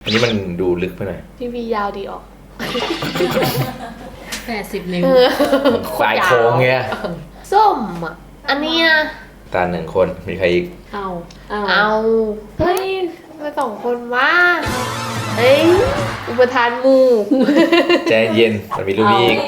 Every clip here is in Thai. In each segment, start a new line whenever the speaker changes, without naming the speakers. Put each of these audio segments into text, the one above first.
นนี้มันดูลึกไปหน่อย
ทีวียาวดีออก
80 นิ้ว
สายโค้งเงี้ย
ส้มอ่ะ อันนี้นะ
ตาหนึ่งคนมีใครอีก
เอาเฮ้ยมาสองคนว่าเฮ้ยอุปทานหมู่
ใจเย็นมันมีรูปนี้อีก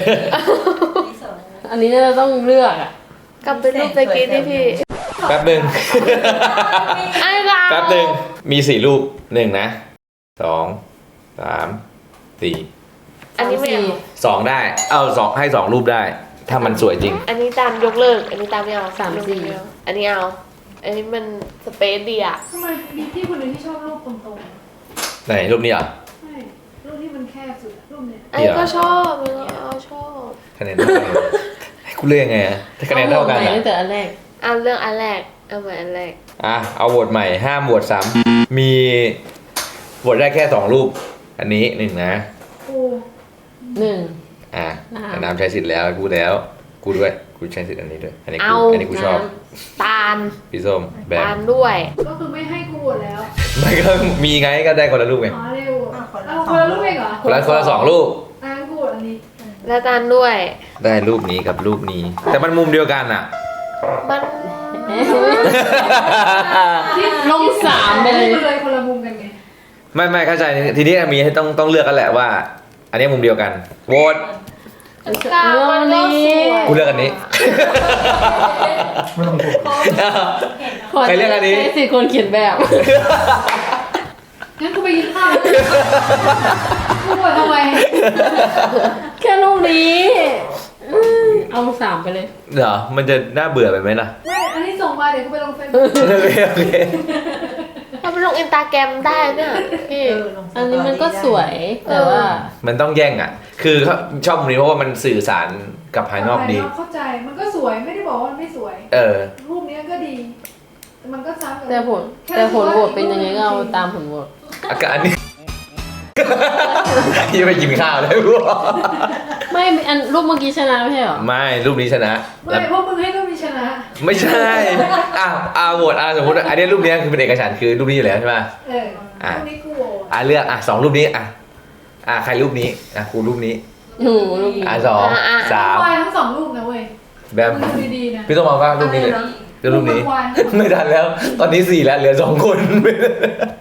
อันนี้เราต้องเลือกอ่ะ
กลับไปรูปตะกี้ที่พี่
แป๊บหนึ่ง
ไอ้เรา
แป๊บหนึ่งมี4 รูป1นะ2 3 4
อันนี้ไม่เอา
2ได้เอา2ให้2 รูปได้ ถ้ามันสวยจริง
อันนี้ตามยกเลิก อันนี้ตามไม่เอา
3 4
ไม่เอาอันนี้เอา อันนี้มันสเปซดีอ่ะ
ทำไมมีพี่คนหนึ่งที่ชอบรูปตรง
ไหนรูปนี้เหรอ
ๆใช่รูปที่มันแคบสุดอะรูปเนี้ย
อันนี้ก็ชอบอันนี้เอาชอบ
คะแนนเท่ากันให้กูเลือกยังไงอะถ้าคะแนนเท่ากัน
อ
อะ
ตั้งแต่อันแรก
เอาเรื่องอันแรก เอาเหมือนอันแรก
เอาโหวตใหม่ห้ามโหวตซ้ำมีโหวตได้แค่2 รูป อันนี้1นะ
โอ้
1
อ่ะ
น้ำ
แต่น้ำใช้สิทธิ์แล้วกูแล้วกูด้วยกูใช้สิทธิ์อันนี้ด้วยอันนี้กู
เอา
อันนี้กูชอบ
ตาล
พี่ส้มแบม
ตาลด้วย
ก็คือไม่ให้กูโหวตแล้ว
ไม่ก็มีไงก็ได้คนละรูปไง
อ๋อเร็วเอาคนละรูปเองเหรอ
คนละ2 รูป
อ่ะกูโหวตอันนี้
และตาลด้วย
ได้รูปนี้กับรูปนี้ แต่มันมุมเดียวกันอ่ะ
มัน
ลง3ไปเลย
เลยคนละมุมกันไง
ไม่เข้าใจทีนี้มีให้ต้องเลือกกันแหละว่า อันนี้มุมเดียวกันโหวต
กลางมันก็สวย
กูเลือกอันนี้ ใครเลือกอันนี้
ใช้สิทธิ์คนเขียนแบบ
งั้นกูไปกินข้าวแล้วกูโหวตทำไม
แค่รูปนี้เอา3ไปเลย
เหรอมันจะน่าเบื่อไปไหมล่ะ
ไม่อันนี้ส่งมาเดี๋ยวกูไปลงเฟซบุ๊ก
โอเค
เราไปลงอินสตาแกรมได้เนี่ยพี่
อันนี้มันก็สวยแต่ว่า
มันต้องแย่งอ่ะ คือเขาชอบมุมนี้เพราะว่ามันสื่อสารกับภายนอกดี
เข้าใจมันก็สวยไม่ได้บอกว่ามันไม่สวย
เออ
รูปเนี้ยก็ดีแต่มันก็ซ้ำกับ
แต่ผลโหวตเป็นยังไงก็เอาตามผลโหวต
อาการนี้ ยังไปกินข้าวเลยพวก
ไม่อันรูปเมื่อกี้ชนะไม่ใช่เหรอ
ไม่รูปนี้ชนะ
ไม่เพราะมึงให้รูปนี้ชนะ
ไม่ใช่โหวตสมมติอันนี้รูปนี้คือเป็นเอกฉันท์คือรูปนี้อยู่แล้วใช่ไหม
เออรูปนี้กูโหวต
เลือก2 รูปนี้ใครรูปนี้กูรูปนี้
หนูรูปนี้
2
วายทั้งสองรูปนะเว้ย
3แบม
มึงดูดีๆนะ
พี่ต้องมองว่ารูปนี้เลยรูปนี้
วาย
ไม่ทันแล้ว ตอนนี้4แล้วเหลือ2 คน